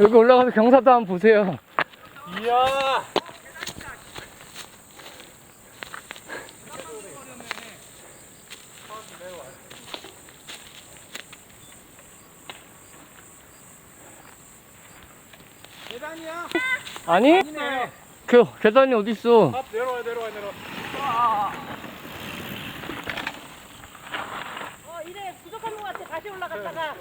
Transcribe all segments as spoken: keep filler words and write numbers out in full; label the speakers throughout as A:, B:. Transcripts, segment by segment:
A: 여기 올라가서 경사도 한번 보세요.
B: 이야. 계단이야?
A: 아니?
B: 아니네.
A: 그 계단이 어딨어?
B: 아, 내려와 내려와 내려와.
C: 어, 이래 부족한 것 같아. 다시 올라갔다가.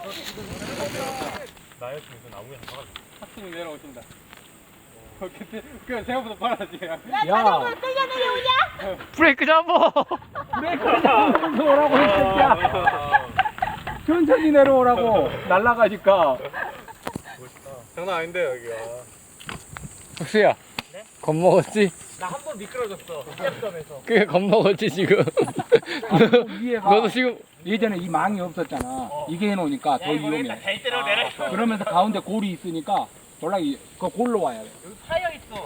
B: 나였으면 그 나무에 한 가가지고. 학생이 내려오신다. 어, 그때 그 생각보다 빨라지.
C: 야, 자전거 끌려 내려오냐?
A: 브레이크 잡어!
D: 브레이크 잡으면서 오라고 했으니까 천천히 내려오라고 날아가니까.
B: 장난 아닌데 여기가.
A: 혁수야.
C: 네?
A: 겁먹었지?
B: 나 한 번 미끄러졌어. 시합점에서.
A: 그게 겁먹었지 지금.
D: 위에가
A: 너도 지금
D: 예전에 이 망이 없었잖아.
B: 어.
D: 이게 해놓으니까 더 위험해.
B: 대대로 내려.
D: 그러면서 가운데 골이 있으니까 돌락이 그 골로 와야 돼.
B: 여기 파여 있어.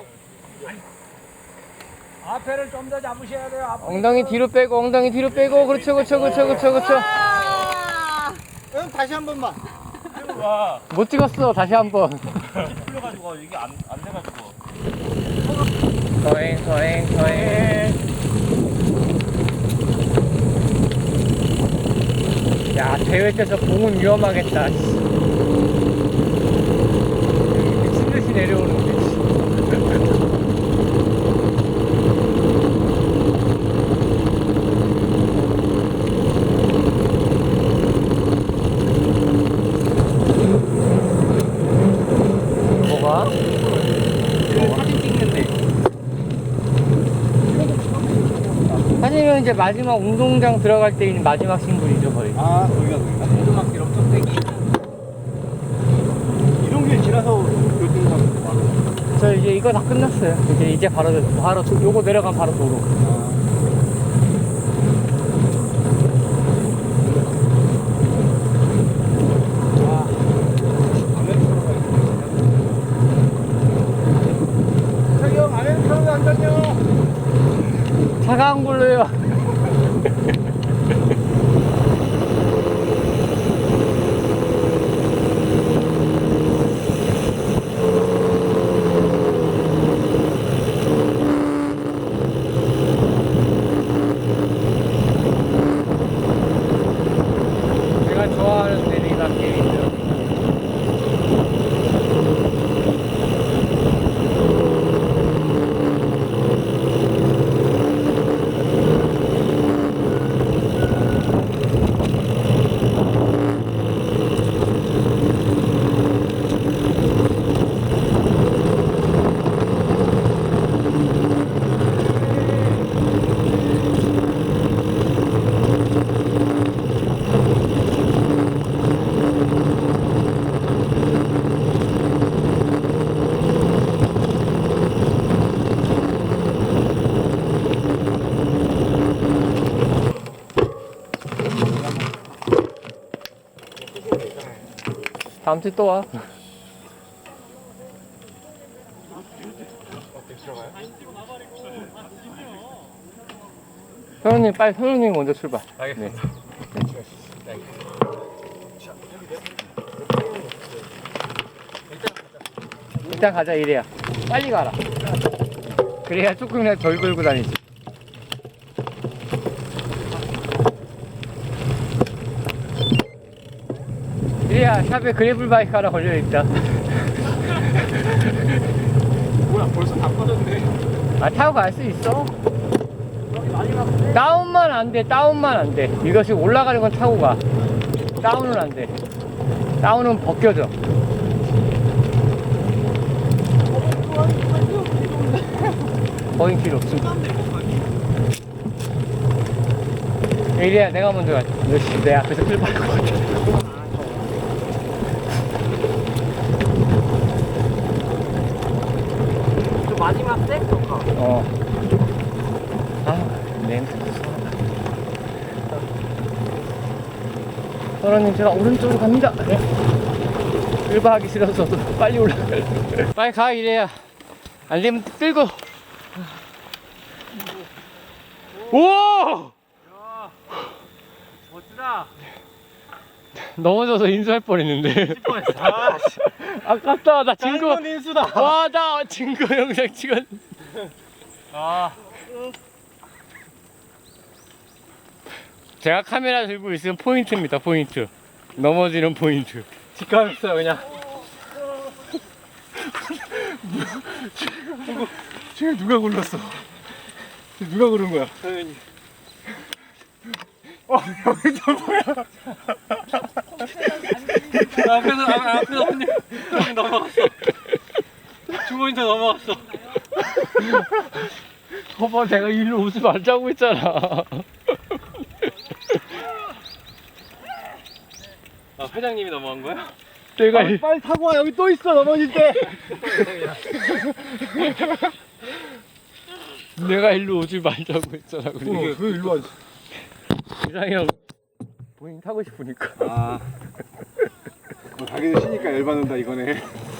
D: 앞에를 좀 더 잡으셔야 돼요. 앞에.
A: 엉덩이 뒤로 빼고 엉덩이 뒤로 빼고 그렇죠 그렇죠 그렇죠 그렇죠 그렇죠.
B: 응, 다시 한 번만. 와.
A: 못 찍었어 다시 한번.
B: 풀려가지고 이게 안 안 돼가지고.
A: 서행 서행 서행. 야 대회 때서 공은 위험하겠다. 미친 듯이 내려오는데. 뭐가? 사진 찍는데. 사진은 이제 마지막 운동장 들어갈 때 있는 마지막 신분이죠 거의.
B: 아, 거기가 거기가.
D: 오두막길 엄청 세기.
B: 이런 길 지나서 교통사고 많아.
A: 저 이제 이거 다 끝났어요. 이제 이제 바로 바로 도- 요거 내려가면 바로 도로.
B: 저기 형 안에 사람이 안 다녀.
A: 차가운 걸로요. 제가 좋아하는 내리막길이죠. 다음 주에 또 와. 선우님 빨리 선우님 먼저 출발.
B: 알겠습니다.
A: 네. 일단 가자 이래야. 빨리 가라. 그래야 조금이라도 덜 걸고 다니지. 이래야 샵에 그래블 바이크 하나 걸려있다.
B: 뭐야, 벌써 다 꺼졌네.
A: 아 타고 갈 수 있어. 다운만 안 돼. 다운만 안 돼. 이거 지금 올라가는 건 타고 가. 다운은 안 돼. 다운은 벗겨져. 거긴 필요 없어. 이래야 내가 먼저 가자. 역시 내 앞에서 끌 받을 것 같아.
C: 마지막 섹터가.
A: 어. 아, 냄새도 쏘다. 선원님, 제가 오른쪽으로 갑니다. 네. 일바하기 싫어서 빨리 올라갈. 빨리 가, 이래야. 안 되면 끌고. 오!
B: 멋지다.
A: 넘어져서 인수할 뻔했는데.
B: 아, 씨.
A: 아깝다. 나 증거.
B: 짱구 인수다.
A: 와, 나 증거 영상 찍었.
B: 아,
A: 제가 카메라 들고 있으면 포인트입니다. 포인트. 넘어지는 포인트.
B: 직감했어요 그냥.
D: 지금 누가 굴렀어? 누가 고른 거야?
B: 당연히.
D: 어, 여기 또 뭐야?
B: 앞에서 아, 앞에서 언니 언니 넘어갔어. 주머니도 넘어갔어.
A: 봐봐, 내가 일로 오지 말자고 했잖아.
B: 아 회장님이 넘어간 거야?
A: 내가
D: 아,
A: 일-
D: 빨리 타고 와. 여기 또 있어. 넘어질 때.
A: 내가 일로 오지 말자고 했잖아.
D: 어,
A: 그리고
D: 왜 일로 와?
A: 이상이 형 본인 타고 싶으니까.
D: 아. 뭐 자기도 쉬니까 열받는다 이거네.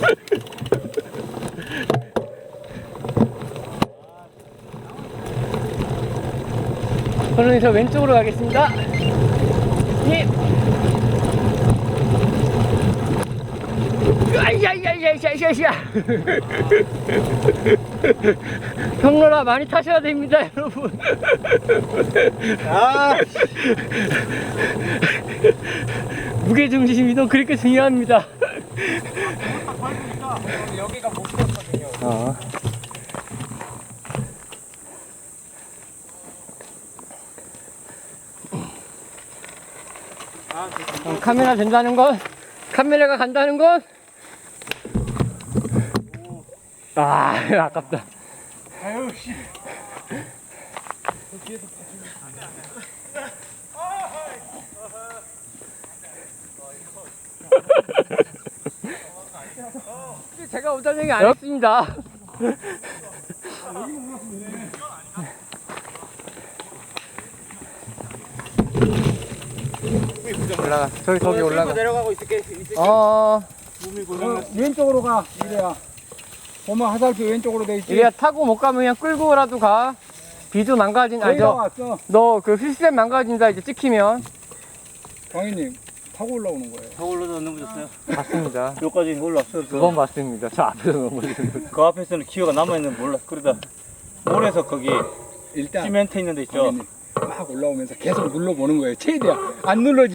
A: 저는 저 왼쪽으로 가겠습니다. 예. 아이야이야이야이야이야. 경로라 많이 타셔야 됩니다, 여러분.
B: 아,
A: 무게 중심 이동 그렇게 중요합니다.
B: 여기가 목표거든요.
A: 어. 어, 카메라 된다는 건, 카메라가 간다는 건, 아, 아깝다.
D: 아유 씨.
A: 제가 오다는 얘기 안 했습니다. 올라가. 저기 저기 올라가.
B: 내려가고 있을게. 있을게.
A: 어,
D: 어, 왼쪽으로 가. 이래야. 보면 화살표 왼쪽으로 돼 있지.
A: 이래야 타고 못 가면 그냥 끌고라도 가. 비도 망가진, 아니
D: 거의 다
A: 저,
D: 왔어.
A: 너 그 시스템 망가진다 이제 찍히면.
D: 광희님 타고 올라오는 거예요.
B: 더 올라서 넘어졌어요.
A: 봤습니다.
B: 여기까지 올라왔어.
A: 두 번 봤습니다. 저 앞에서 넘어지는 거.
B: 그 앞에서는 기어가 남아있는 몰라. 그러다 몰에서 거기
D: 일단
B: 시멘트 있는 데 있죠.
D: 광희님 막 올라오면서 계속 눌러보는 거예요. 최대한 안 눌러지.